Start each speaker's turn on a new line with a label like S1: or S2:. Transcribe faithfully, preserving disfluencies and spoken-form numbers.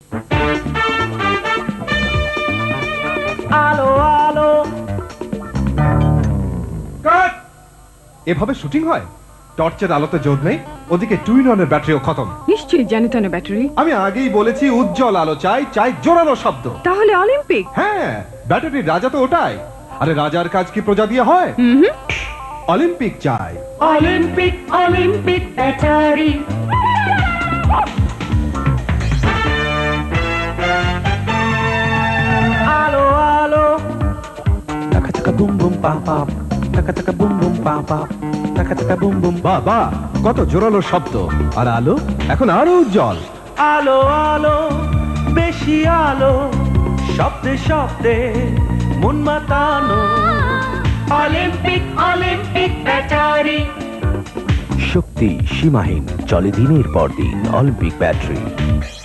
S1: আলো আলো
S2: কাট! এভাবে শুটিং হয়? টর্চের আলোতে জোর নেই, ওদিকে টুইন অনের ব্যাটারিও খতম।
S3: নিশ্চয়ই জ্যানিটনের ব্যাটারি।
S2: আমি আগেই বলেছি উজ্জ্বল আলো চাই, চাই জোরালো শব্দ।
S3: তাহলে অলিম্পিক।
S2: হ্যাঁ, ব্যাটারির রাজা তো ওটাই। আরে রাজার কাজ কি প্রজা দিয়ে হয়?
S3: হুম।
S2: অলিম্পিক চাই।
S1: Olympic Olympic battery. আলো আলো
S4: Taka taka boom boom pa pa. Taka taka boom boom pa pa. Taka taka boom boom.
S2: বাহ বাহ, কত জোরালো শব্দ। আর আলো এখন আরো উজ্জ্বল।
S1: আলো আলো বেশি আলো, শব্দে শব্দে মন মাতানো। Olympic Olympic battery.
S4: শক্তি সীমাহীন, চলে দিনের পর দিন অলিম্পিক ব্যাটারি।